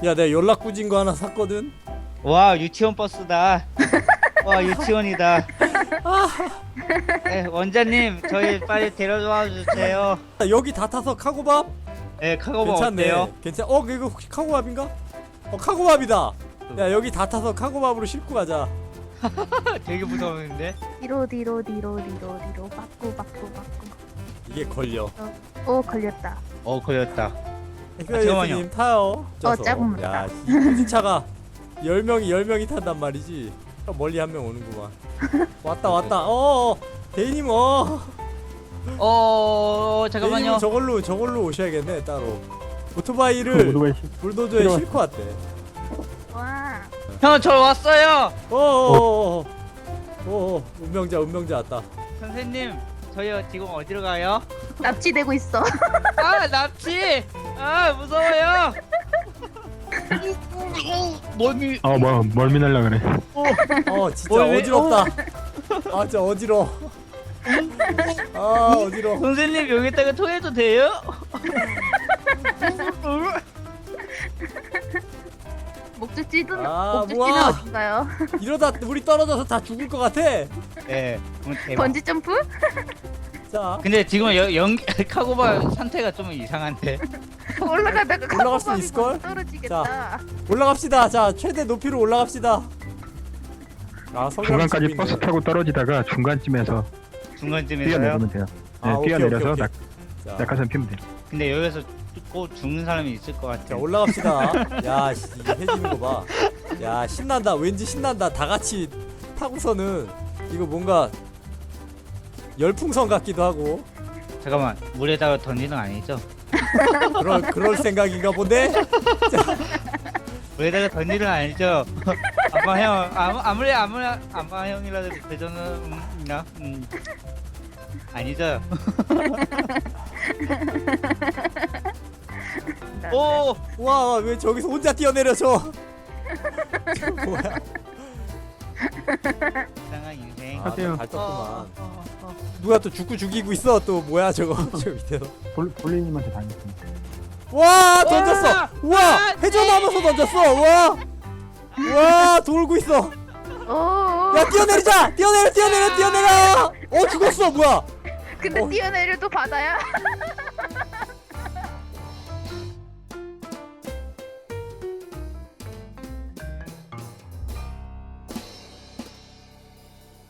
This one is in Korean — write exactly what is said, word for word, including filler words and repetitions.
야 내가 연락구진 거 하나 샀거든. 와 유치원 버스다. 와 유치원이다. 네, 원장님 저희 빨리 데려와 주세요. 야, 여기 다 타서 카고밥? 네 카고밥 괜찮네. 어때요? 괜찮. 어 이거 혹시 카고밥인가? 어 카고밥이다. 야 여기 다 타서 카고밥으로 싣고 가자. 되게 무서운데? 뒤로 뒤로 뒤로 뒤로 뒤로 빠꾸 빠꾸 빠꾸. 이게 걸려. 오 걸렸다. 어 걸렸다. 엑스님 타요. 쪄서. 작은 야, 이 후진차가 열 명이 열 명이 탄단 말이지. 멀리 한 명 오는구만. 왔다 왔다. 어, 대인님 어. 어 잠깐만요. 대인님 저걸로 저걸로 오셔야겠네 따로. 오토바이를 불도저에 필요한- 싣고 왔대. 와. 형 저 왔어요. 어, 어, 어, 어, 어, 운명자 운명자 왔다. 선생님 저희 지금 어디로 가요? 납치되고 있어. 아 납치. 아 무서워요. 뭐니? 어, 뭐 멀미 날라 그래. 어, 진짜 뭘 왜- 어지럽다. 아, 진짜 어지러. 아, 어지러. 선생님 여기다가 토해도 돼요? 목적지는 아, 목적지는 뭐야. 어딘가요? 이러다 우리 떨어져서 다 죽을 것 같아. 네. 음, 대박. 번지 점프? 자, 근데 지금 여, 연 카고바 상태가 좀 이상한데. 올라가다가 올라갈 수 카고밥이 있을걸? 떨어지겠다. 올라갑시다. 자, 최대 높이로 올라갑시다. 아, 중간까지 성경이 버스 있네. 타고 떨어지다가 중간쯤에서 중간쯤에서요. 뛰어내리면 돼요. 네, 아, 오케이, 뛰어내려서 오케이, 오케이. 낙, 자, 낙하산 피면 돼요. 근데 여기서 꼭 죽는 사람이 있을 것 자, 같아. 올라갑시다. 야, 씨, 이게 해지는 거 봐. 야, 신난다. 왠지 신난다. 다 같이 타고서는 이거 뭔가 열풍선 같기도 하고. 잠깐만 물에다가 던지는 거 아니죠? 그럴 그럴 생각인가 본데. 물에다가 던지는 거 아니죠? 아빠 형 아무 아무리 아무리 아빠 형이라도 되저는 음, 나 음. 아니죠? 오 와, 왜 저기서 혼자 뛰어내려 저? 저 뭐야? 이상한 인생. 아, 하세요. 잘 떴구만. 어, 어, 어. 누가 또 죽고 죽이고 있어. 또 뭐야 저거 저 밑에서. 볼, 볼리님한테 당했습니다. 와, 던졌어. 와, 와, 와, 회전하면서 던졌어. 와, 와, 돌고 있어. 오. 야, 뛰어내리자. 뛰어내려, 뛰어내려, 뛰어내려. 어, 죽었어. 뭐야? 근데 어. 뛰어내려도 바다야.